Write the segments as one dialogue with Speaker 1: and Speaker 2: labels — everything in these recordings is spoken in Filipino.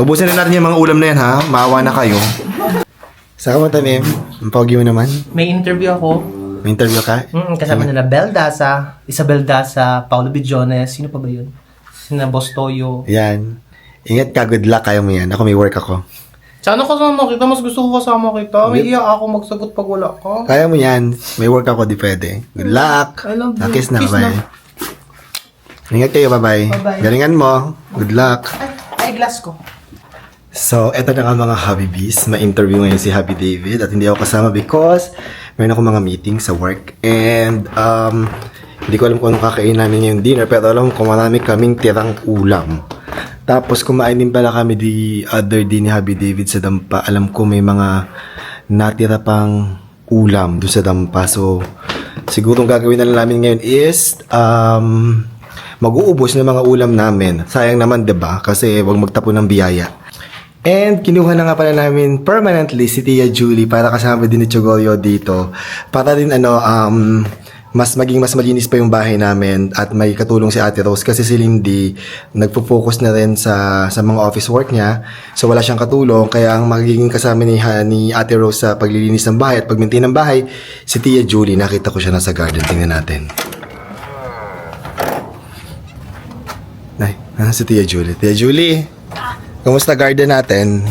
Speaker 1: Ubusin na natin yung mga ulam na yan, ha? Maawa na kayo. Saka mo, Tanim? Ang pogi mo naman.
Speaker 2: May interview ako.
Speaker 1: May interview ka?
Speaker 2: Kasama nila Bel Daza, Isabel Daza, Paulo Billones. Sino pa ba yun? Sina Boss Toyo.
Speaker 1: Yan. Ingat ka, good luck. Kaya mo yan. Ako may work ako.
Speaker 2: Sana kasama kita. Mas gusto ko kasama kita. May iya ako magsagot pag wala ka.
Speaker 1: Kaya mo yan. May work ako, di pwede. Good luck.
Speaker 2: I love you.
Speaker 1: Kiss na,
Speaker 2: Kiss
Speaker 1: bye.
Speaker 2: na.
Speaker 1: Ingat kayo, bye-bye.
Speaker 2: Bye-bye.
Speaker 1: Galingan mo. Good luck.
Speaker 2: Ay, glass ko.
Speaker 1: So, eto na nga mga Hobby Bees. Ma-interview ngayon si Happy David at hindi ako kasama because meron ako mga meeting sa work and hindi ko alam kung anong kakain namin yung dinner pero alam ko marami kaming tirang ulam. Tapos kumain din pala kami the other day ni Happy David sa dampa. Alam ko may mga natira pang ulam doon sa dampa. So, siguro ang gagawin na lang namin ngayon is mag-uubos ng mga ulam namin. Sayang naman, 'di ba? Kasi wag magtapon ng biyaya. And kinuha na nga pala namin permanently si Tia Julie para kasama din ni Chogolyo dito. Para din mas malinis pa yung bahay namin at may katulong si Ate Rose kasi si Lindy nagpo-focus na rin sa mga office work niya. So wala siyang katulong kaya ang magiging kasama ni Ate Rose sa paglilinis ng bahay at pag-maintain ng bahay si Tia Julie. Nakita ko siya nasa garden. Tingnan natin. Nay, si Tia Julie. Tia Julie! Kamusta garden natin?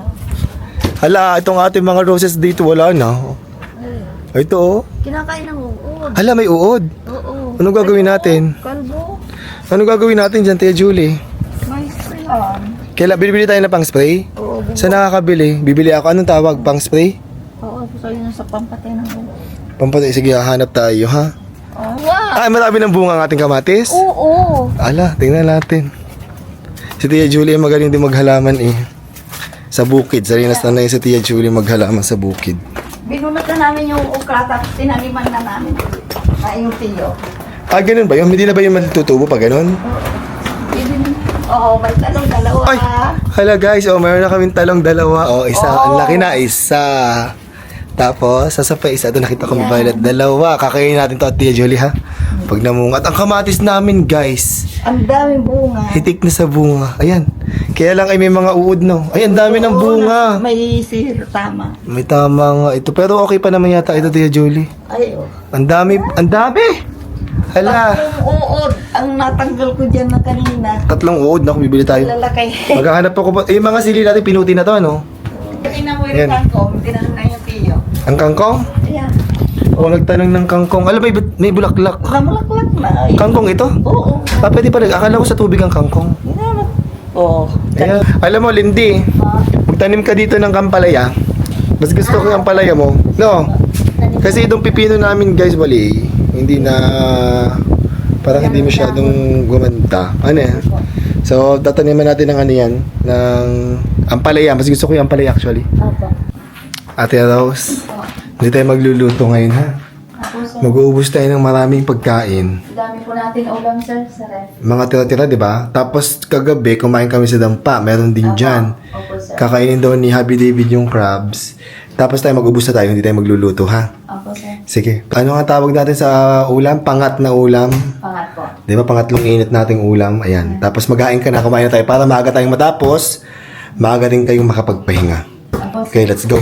Speaker 1: Hala, itong ating mga roses dito wala na. Ito oh.
Speaker 3: Kinakain ng uod.
Speaker 1: Hala, may uod.
Speaker 3: Oo.
Speaker 1: Anong gagawin natin?
Speaker 3: Kalbo.
Speaker 1: Anong gagawin natin dyan, Tia Julie?
Speaker 3: May sprayan.
Speaker 1: Kailan bibili tayo ng pang spray?
Speaker 3: Oo.
Speaker 1: Saan nakakabili? Bibili ako. Anong tawag? Pang spray?
Speaker 3: Oo. So yun sa pampatay ng uod.
Speaker 1: Pampatay. Sige, hanap tayo, ha?
Speaker 3: Oh, wow.
Speaker 1: Ay, marami ng bunga ang ating kamatis.
Speaker 3: Oo.
Speaker 1: Ala, tingnan natin. Si Tia Julie ay magaling din maghalaman eh. Sa bukid. Sarinas na yun si Tia Julie maghalaman sa bukid.
Speaker 3: Binunot na namin yung ukra tapos tinaniman na namin na yung tiyo.
Speaker 1: Ah, ganun ba yun? Hindi na ba yung matutubo pa ganun?
Speaker 3: Oo, may talong dalawa.
Speaker 1: Ay! Hala guys, oh, mayroon na kaming talong dalawa. Oh, isa. Ang laki na, isa. Tapos, sasa pa isa. Ito nakita ko may violet. Dalawa. Kakainin natin to at Tia Julie, ha? Pag namungat. Ang kamatis namin, guys.
Speaker 3: Ang daming bunga.
Speaker 1: Hitik na sa bunga. Ayan. Kaya lang ay may mga uod, no? Ay, ang dami ng bunga.
Speaker 3: May sihir, tama.
Speaker 1: May tama nga ito. Pero okay pa naman yata ito, Tia Julie.
Speaker 3: Ay, oh.
Speaker 1: Ang dami. Ang dami! Hala.
Speaker 3: Tatlong uod ang natanggal ko dyan na kanina.
Speaker 1: Tatlong uod. Naku, bibili tayo.
Speaker 3: Lalakay.
Speaker 1: Maghahanap ako pa. Eh, mga sili natin, pinuti na to, no?
Speaker 3: Kanina mo
Speaker 1: Ayan.
Speaker 3: yung kangkong, tinanong na yung tiyo.
Speaker 1: Ang kangkong?
Speaker 3: Ayan.
Speaker 1: O, nagtanong ng kangkong. Alam, may bulaklak.
Speaker 3: Namulaklak na.
Speaker 1: Kangkong ito?
Speaker 3: Oo.
Speaker 1: Ah, pwede pala. Akala ko sa tubig ang kangkong.
Speaker 3: Oo.
Speaker 1: Ayan. Alam mo, Lindy, magtanim ka dito ng kampalaya. Mas gusto ko yung ampalaya mo. No? Kasi itong pipino namin, guys, wali. Hindi na... Parang hindi masyadong gumanda. Ano yan? So, tataniman natin ng ano yan. Ng ampalaya. Mas gusto ko yung ampalaya, actually.
Speaker 3: Opo.
Speaker 1: Ate Rose, hindi tayo magluluto ngayon, ha?
Speaker 3: Ako, sir.
Speaker 1: Mag-uubos tayo ng maraming pagkain.
Speaker 3: Dami po natin ulam, sir, sa ref.
Speaker 1: Mga tira-tira, di ba? Tapos kagabi, kumain kami sa dampa. Meron din dyan.
Speaker 3: Opo, sir.
Speaker 1: Kakainin daw ni Happy David yung crabs. Tapos tayo mag-ubos na tayo, hindi tayo magluluto, ha?
Speaker 3: Opo, sir.
Speaker 1: Sige. Ano nga tawag natin sa ulam? Pangat na ulam.
Speaker 3: Pangat po.
Speaker 1: Di ba? Pangatlong init nating ulam. Ayan. Tapos maghain ka na, kumain na tayo para maaga tayong matapos. Maaga din kayong makapagpahinga.
Speaker 3: Opo, sir.
Speaker 1: Okay, let's go.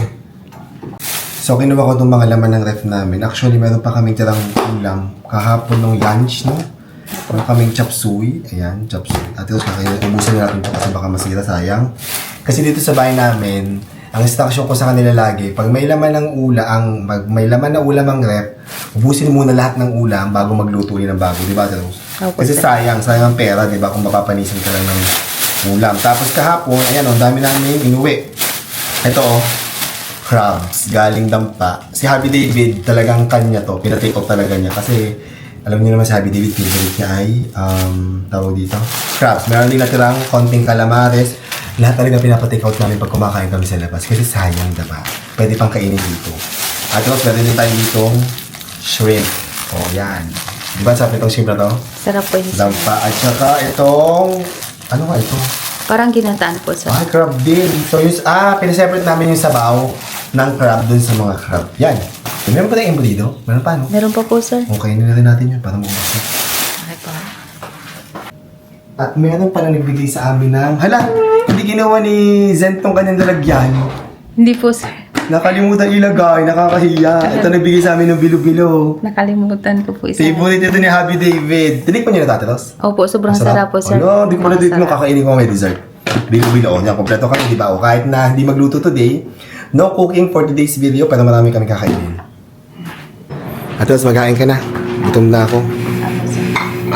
Speaker 1: So, kinuha ko itong mga laman ng ref namin. Actually, meron pa kaming tirang ulam. Kahapon ng lunch, no? Meron kaming chop suey. Ayan, chop suey. At ito, ubusin natin ito kasi baka masira, sayang. Kasi dito sa bahay namin, ang instruction ko sa kanila lagi, pag may laman ng may laman na ulam ang ref, ubusin muna lahat ng ulam bago magluto ng bago. Di ba, Rose? Kasi sayang ang pera, di ba, kung mapapanisin ka lang ng ulam. Tapos kahapon, ayan, ang dami namin inuwi. Ito, crabs, galing dampa. Si Happy David, talagang kanya to. Pinatake off talaga niya. Kasi, alam niyo naman si Happy David, favorite niya ay, tawag dito, crabs. Meron din natirang konting calamares. Lahat talaga pinapatake out namin pag kumakain kami sa labas. Kasi sayang, diba? Pwede pang kainin dito. At tapos, meron din tayo ditong shrimp. O, yan. Diba sabi itong shrimp na to?
Speaker 3: Sarap po yun, sir.
Speaker 1: Dampa. At saka itong, ano nga ito?
Speaker 3: Parang ginataan po, sir.
Speaker 1: Ah, crab din. So, pinaseparate namin yung sabaw ng crab dun sa mga crab. Yan. Meron pa tayong embutido? Meron pa, no?
Speaker 3: Meron pa po, sir.
Speaker 1: Okay, na rin natin yun para maubos.
Speaker 3: Okay po.
Speaker 1: At meron pa na nagbigay sa amin ng... Hala! Hindi ginawa ni Zen tong kanyang lalagyan.
Speaker 4: Hindi po, sir.
Speaker 1: Nakalimutan ilagay, nakakahiya. Ito nagbigay sa amin ng bilo-bilo.
Speaker 4: Nakalimutan ko po isa.
Speaker 1: Favorite ito ni Happy David. Tinik mo niyo na, Tate Ros?
Speaker 4: Opo, sobrang sarap po, sir.
Speaker 1: Ano, di ko pala dito
Speaker 4: Sarap.
Speaker 1: kakainin ko may dessert. Bilo-bilo. O, yan, kompleto kami, di ba? O, kahit na hindi magluto today, no cooking for today's video, pero marami kami kakainin. Ate Ros, magkain ka na. Gutom na ako.
Speaker 4: Opo, sir.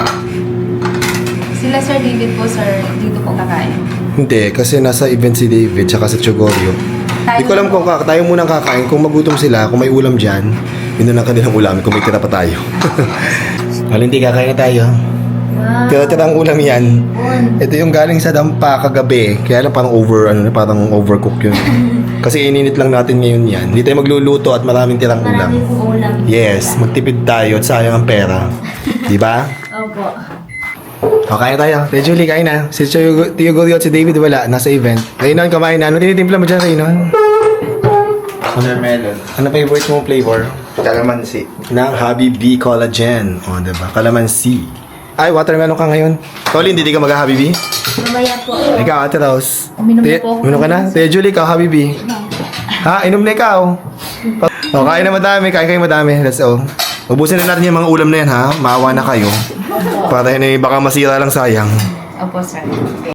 Speaker 4: Sila Sir David po, sir, dito po kakain.
Speaker 1: Hindi, kasi nasa event si David, tsaka sa Chogorio. Hindi ko alam kung tayo muna kakain. Kung magutom sila, kung may ulam dyan, yun na lang kanilang ulam. Kung may tira pa tayo. Valentin, kakain na tayo. Tira-tira ang ulam yan. Ito yung galing sa dampa kagabi. Kaya lang parang parang overcook yun. Kasi ininit lang natin ngayon yan. Hindi tayo magluluto at maraming tirang ulam. Yes, magtipid tayo at sayang ang pera. Di ba?
Speaker 4: Opo.
Speaker 1: O, kain tayo. Ate Julie, kain na. Si Tio Gorio at si David wala. Nasa event. Raynon, kumain na. Ano tinitimpla mo dyan, Raynon?
Speaker 5: Watermelon.
Speaker 1: Ano favorite mong flavor?
Speaker 5: Calamansi.
Speaker 1: Ng Happy B Collagen. O, diba? Calamansi. Ay, watermelon ka ngayon. Colin, hindi ka mag-Happy B?
Speaker 4: Mamaya po.
Speaker 1: Ikaw, Ate Rose.
Speaker 4: Uminom na po ako.
Speaker 1: Uminom ka na? Tia Julie, ikaw, Happy B. Ha? Inom na ikaw. O, kain na madami. Kain kayo madami. Let's go. Ubusin na natin yung mga ulam na yan, ha? Maawa na kayo. Para yun, baka masira lang sayang.
Speaker 4: Opo, sir.